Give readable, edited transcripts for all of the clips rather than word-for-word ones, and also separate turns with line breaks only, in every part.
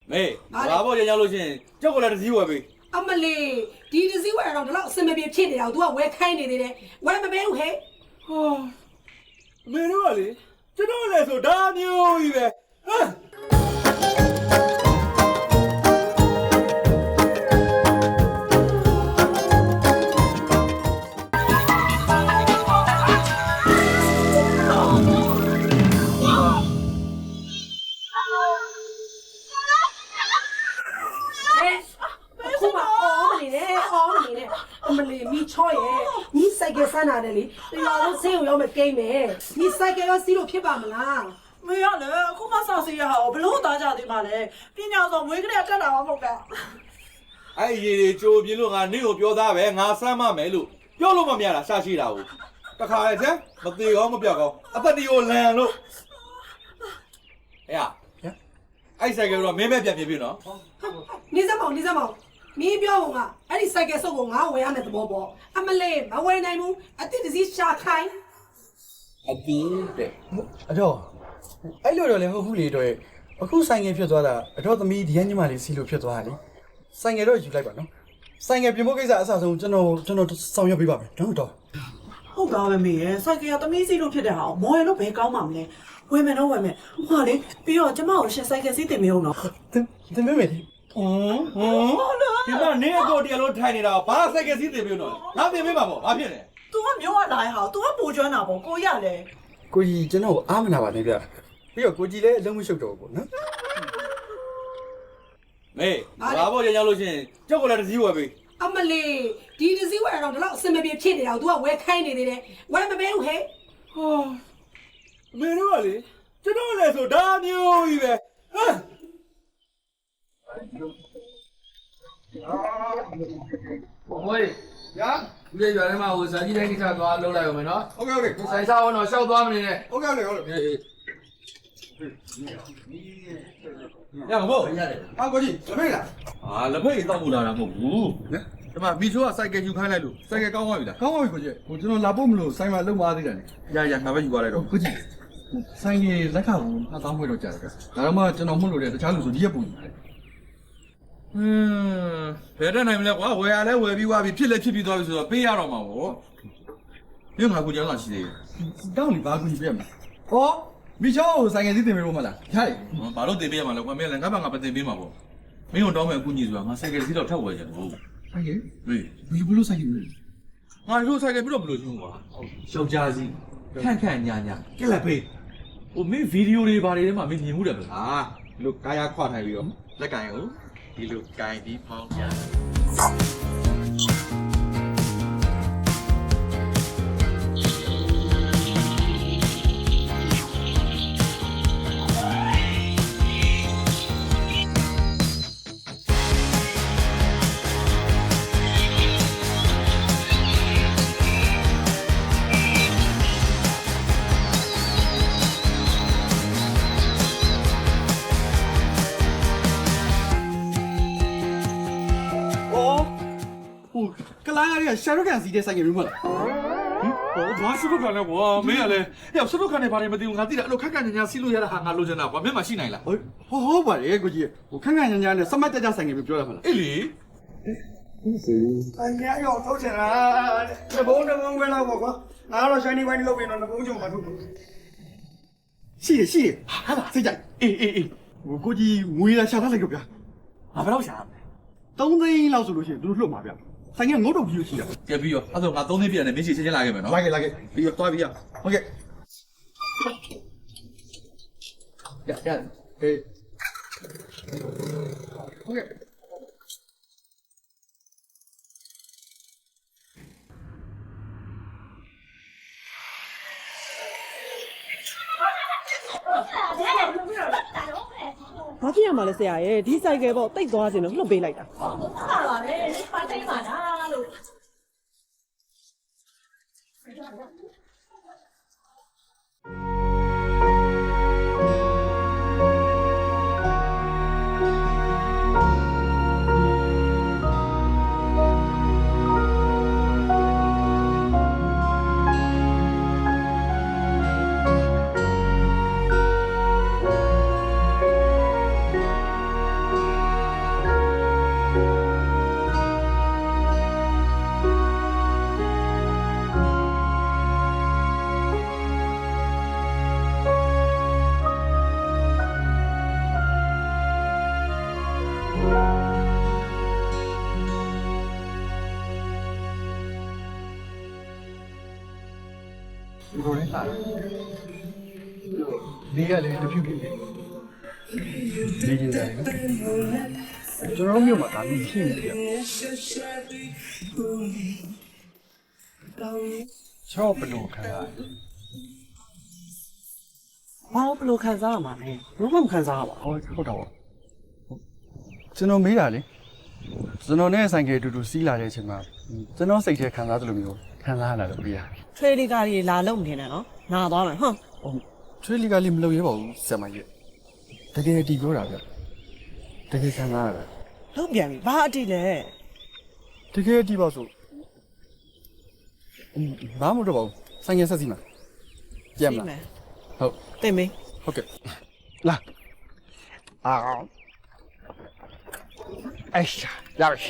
မေဘာပေါ့ကြောက်လို့ရှင်ကြောက်ကလည်းတစ်စည်းဝယ်ပေး
အမလေးဒီတစ်စည်းဝယ်တော့ဒီလောက်အစင်မပြေဖြစ်နေတာကို तू ကဝယ်ခိုင်းနေသေးတယ်ဝယ်မပေးဘူးဟဲ့
ဟာမေတို့ကလေကျွန်တော်လည်းဆိုဒါမျိုးကြီးပဲဟမ်
မလေးမိချောရဲ့မိစိုက်ကယ်ဆန်းလာတယ်လေတရားတော့ဆေးရုံရောက်မယ်ကိန်းမယ်မိစိုက်ကယ်ရောစီးလို့ဖြစ်ပါမလား
မရလေအခုမှစောင့်စီရဟာဘလို့သားကြသေးမှလဲပညာဆောင်မွေးကလေးကတ်တာမှမဟုတ်တာ
အဲ့ရေတွေကြိုပြင်းလို့ငါနေ့ကိုပြောသားပဲငါစမ်းမမယ်လို့ပြောလို့မမရတာရှာရှိတာကိုတခါလေကျန်မသေးကောင်းမပြောက်ကောင်းအသက်တီကိုလန်လို့ဟဲ့အဲ့ဆိုင်ကတော့မင်းပဲပြန်ပြပြနော်
နေစမောင်မင်းပြောကအဲ့ဒီစိုက်ကယ်စုပ်ကိုငါဝယ်ရမယ်သဘောပေါ့အမလေးမဝယ်နိုင်ဘူးအတိတ်တစည်းရှာခိုင်း
အတင်းတဲ့အတော့အဲ့လိုတော့လည်းဟုတ်ဘူးလေတော့အခုဆိုင်ငယ်ဖြစ်သွားတာအတော့သမီးဒီကညမလေးစီလို့ဖြစ်သွားတာလေဆိုင်ငယ်တော့ယူလိုက်ပါနော်ဆိုင်ငယ်ပြင်ဖို့ကိစ္စအဆအဆုံးကျွန်တော်ဆောင်ရွက်ပေးပါမယ်နော်တော့
ဟုတ်ပါပဲမေရဲ့စိုက်ကယ်ကသမီးစီလို့ဖြစ်တဲ့ဟာမော်ရလို့ဘယ်ကောင်းမှမလဲဝယ်မယ်နော်ဝယ်မယ်ဟွာလေပြီးတော့ကျမကိုရှင်စိုက်ကယ်စီးတင်မအောင်နော်
တင်မေမေဒီ
မနေကိုတရားလို့ထိုင်နေတာဘာစိုက်ကစီးတင်ပြလို့ငါတင်ပေးမှာပေါ့ဘာဖြစ်လဲ
तू ကမျိုးကလာရဲ့ဟာ तू ကပူကျွမ်းတာပေါ့ကိုရလေ
ကိုကြီးကျွန်တော်အားမနာပါနဲ့ဗျပြီးတော့ကိုကြီးလည်းအလုံးမရှုပ်တော့ဘူးနော်
မေဘာပေါ့ကြောက်လို့ရှင်ကြောက်ကလည်းတစ်စည်းဝယ်ပေး
အမလေးဒီတစ်စည်းဝယ်တော့ဒီလောက်အစင်မပြေဖြစ်နေတာကို तू ကဝယ်ခိုင်းနေသေးတယ်ဝယ်မပေးဘူးဟဲ့
ဟာမေတို့ကလေကျွန်တော်လည်းဆိုဒါမျိုးကြီးပဲဟမ်
ဘွေညာဒီရွာထဲမှာဟိုဇာကြီးတိုင်းကိစ္စသွားလုပ်လိုက်အောင်မယ်နော်ဟုတ်ကဲ့ဆိုင်စားအောင်တော့ရှောက်သွားမနေနဲ့
ဟုတ်ကဲ့ရမဟုတ်
ရတယ်ဟာကိုကြီးလက်ဖိတ်လား
လက်ဖိတ်တောက်ဖို့လာတာမဟုတ်ဘူးဒီမှာမီချိုကစိုက်ကယ်ယူခိုင်းလိုက်လို့စိုက်ကယ်ကောင်းသွားပြီလား
ကောင်းပါပြီကိုကြီးဟိုကျွန်တော်လာဖို့မလို့ဆိုင်မှာလုံသွားသေးတယ်
ရငါပဲယူသွားလိုက်တော့
ကိုကြီးဆိုင်ကြီးလက်ခါဘူး2000ခွဲတော့ကြာတယ်ဒါတော့မှကျွန်တော်မှုလို့တဲ့တခြားလူဆိုဒီရက်ပုံကြီး
ဘယ်တတ်နိုင်မလဲကွာဝယ်ရလဲဝယ်ပြီးွားပြီးဖြစ်လဲဖြစ်ပြီးသွားပြီဆိုတော့ပေးရတော့မှာပေါ့ညငါကူကြောင်းလာရှိသေးတယ်
တောင်းလီဘာကူကြီးပြရမလားဟောမိချောဆိုင်ငယ်စီးတင်ပေးလို့မလားရတယ်
ဘာလို့တင်ပေးရမှာလဲကွာမင်းလည်းငါ့ဘာငါပဲတင်ပေးမှာပေါ့မင်းတို့တောင်းမယ်အကူကြီးဆိုတာငါဆိုင်ကယ်စီးတော့ထပ်ဝယ်ကြတယ်ဟုတ်
ဆိုင်ကယ်ဘယ်လိုဆိုင်ကယ်လဲ
ငါတို့ဆိုင်ကယ်ပြီးတော့ဘယ်လိုရှင်းကွာယောက်ျားစီခန့်ညာကက်လက်ပေးဟိုမင်းဗီဒီယိုတွေဘာတွေထဲမှာမင်းမြင်မှုတယ်ဗလားဒီလိုကာယာခွာထိုင်ပြီးတော့လက်ကင်ကိုဒီလိုကင်ပြီးဖောင်းပြ
ကလိုင်းရရှာရုတ်ကန်စီတဲ့ဆိုင်ကယ်မျိုးမလား
ဟိုဘာရှုပ်ခံလဲကွာမင်းကလည်းဟဲ့ရှုပ်ခံနေပါတယ်မသိဘူးငါသိတယ်အဲ့လိုခက်ခက်ညာစီးလို့ရတာဟာငါလိုချင်တာကွာမင်းမရှိနိုင်လား
ဟုတ်ပါတယ်ကိုကြီးဟိုခက်ခက်ညာနဲ့စမတ်ကြဆိုင်ကယ်မျိုးပြောရမှာလား
အေးလေ
အညာရောထုတ်ချင်တာတဘုံပဲလောက်ပေါ့ကွာငါတော့ shiny wine လုပ်ပြီးတော့တဘုံချုံမှာထုတ်ရှိရဟာစိတ်ကြိုက်အေးဟိုကိုကြီးငွေလာရှာထားလိုက်ကြဗျာ
ငါဘယ်တော့ရှာမလဲ
3သိန်းလောက်ဆိုလို့ရှိရင်သူတို့လွတ်မှာဗျဆိုင်ကငုတ်တော့ပြီးလို့ရှိတာ
ကဲပြီးရောအဲ့ဆိုငါ3သိန်းပြရတယ်မင်းချင်းလာခဲ့မယ်နော်
လာခဲ့ပြီးရောသွားပြီးရဟုတ်ကဲ့ရအေးဟုတ်ကဲ့
ဘာဖြစ်ရမှာလဲဆရာရဲ့ဒီဆိုင်ကယ်ပေါ့တိတ်သွားစင်တော့လှုပ်ပေးလိုက်တာ
ဟုတ်ပါလေပါတိတ်ပါလားလို့
ဒီကလည်းတဖြူဖြူလေးဒီကြီးတယ်ကျွန်တော်မျိုးမှာဒါမျိုးရှိနေတယ်ချောဘလို့ခံရတယ်
ဘာလို့ဘလို့ခံစားရမှာလဲဘလို့မခံစားရပါဘူး
ဟုတ်တော့ကျွန်တော်မေးတာလေကျွန်တော်နဲ့ဆိုင်ကယ်အတူတူစီးလာတဲ့အချိန်မှာကျွန်တော်စိတ်ထဲခံစားသလိုမျိုးခံစားရတာလို့ပြရတယ်
ထွေးလေးကားကြီးလာလုံနေတယ်နော်နာသွားမယ်ဟုတ်
ဟုတ်ထွေးလီကလေးမလုပ်ရပါဘူးဆရာမကြီးတကယ်တီးပြောတာဗျတကယ်ခံစားရတာ
လုံပြန်ပြီဘာအတိလဲ
တကယ်တီးပါဆိုဘာမှမတော့ပါဘူးဆိုင်ငယ်ဆက်စီမှာပြန်မလားဟုတ်
တင်မေး
ဟုတ်ကဲ့လာအောင်哎呀，呀是。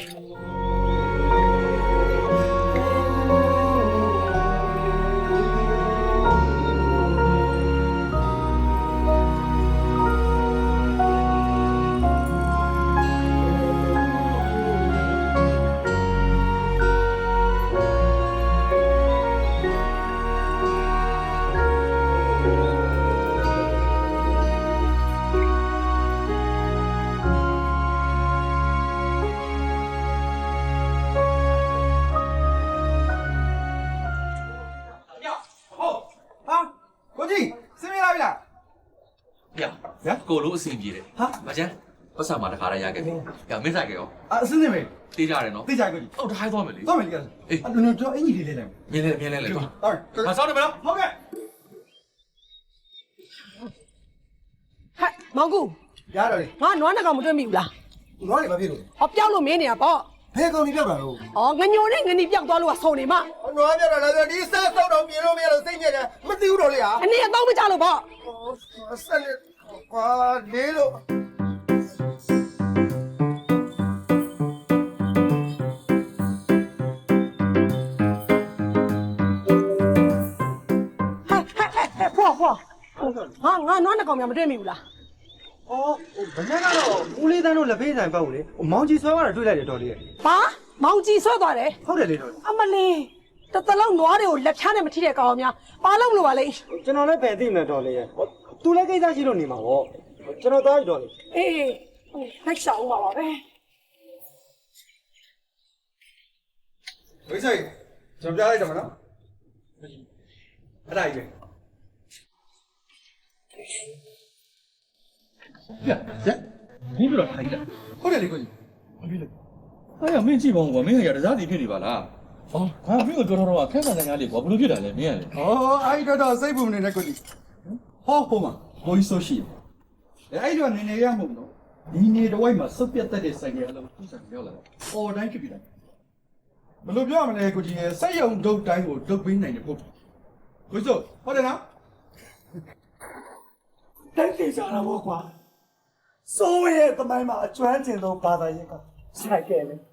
ကိုလိုအဆင်ပြေတယ်မချမ်းပတ်စံမှာတခါတည်းရခဲ့ပြီမင်းဆိုင်ကြရော
အစင်းနေမေ
တေးကြတယ်နော်
သိကြကိုကြီး
ဟုတ်တခိုင်းသွားမယ်လေ
သွားမယ်လေအေးကျွန်တော်အင်ကြီးလေးလိုက်
မြင်လဲလေကွာ
ဟုတ်
မဆောင်းတယ်မလား
ဟုတ်ကဲ့
ဟဲ့မောင်ကူ
ရတော့လေ
ငါနွားနှကောင်မတွေ့မိဘူးလား
ငေါ့လေမဖြစ်လို့
ဟောပြောက်လို့မင်းနေတာပေါ့
ဘယ်ကောင်ကြီးပြောက်တာလို့
ဩငညိုနဲ့ငနီပြောက်သွားလို့ကဆုံနေမ
နွားပြောက်တာလည်းဒီစားစောက်တော့ပြင်လို့မရလို့စိတ်ညစ်တယ်မသိဘူးတော့လေဟာ
အနေအတော့မကြလို့ပေါ့
ဆက်လက်ကွာလေးလို့
ဖွာငါနွားနှကောင်များမတွေ့မိဘူးလား
အော်ဘယ်နဲ့ကတော့ဦးလေးတန်းတို့လက်ဖေးဆိုင်ပေါ့လေမောင်ကြီးဆွဲသွားတာတွေ့လိုက်တယ်တော်လေး
ဘာမောင်ကြီးဆွဲသွားတယ်
ဟုတ်တယ်လေတော်
အမလေးတလုံးနွားတွေကိုလက်ဖြားနဲ့မထိတဲ့ကောင်များဘာလို့မလို့ပါလဲ
ကျွန်တော်လည်းပဲသိမယ်တော်လေးရဲ့သူလည်းကိစ္စရှိလို့နေမှာပေါ့ကျွန်တော်သားပြီတော်လေး
အေးလိုက်ရှောင်းပါပါပဲ
ဝိဆိုင်ကျွန်တော်ပြလိုက်တော့မနော်အဲ့ဒါကြီးပဲ
မင်းပြောတာထိုင်ကြ
ဟုတ်တယ်လေကိုကြီး
အဲ့ရမင်းကြည့်ပါဦးကွာမင်းကရတစားစီဖြစ်နေပါလားဟောငါမင်းကိုပြောတော့ခက်ခက်ငါလေးကွာဘလို့ဖြစ်တာလဲမင်းကလေ
ဟောအဲ့တော့စိတ်ပူနေတဲ့ကိုကြီးဟောဟိုမှာဘိုးဆိုရှိတယ်အဲ့တော့နေနေရမှာမလို့ဒီနေတော့ဝိုက်မှာစုပ်ပြတ်တဲ့ဆိုင်ရလို့သူ့ဆိုင်ရောက်လာတယ်အော်တိုင်းဖြစ်ပြီလားဘယ်လိုပြောမလဲကိုကြီးရဲ့စိတ်ယုံဒုတ်တိုင်းကိုဒုတ်ပေးနိုင်တယ်ဟုတ်ကိုစိုးဟုတ်တယ်နော်
တိုက်ကြကြတာပေါ့ကွာစိုးရဲ့တမိုင်းမှာအကျွမ်းကျင်ဆုံးဘာသာရေးကဆိုင်ကဲလေ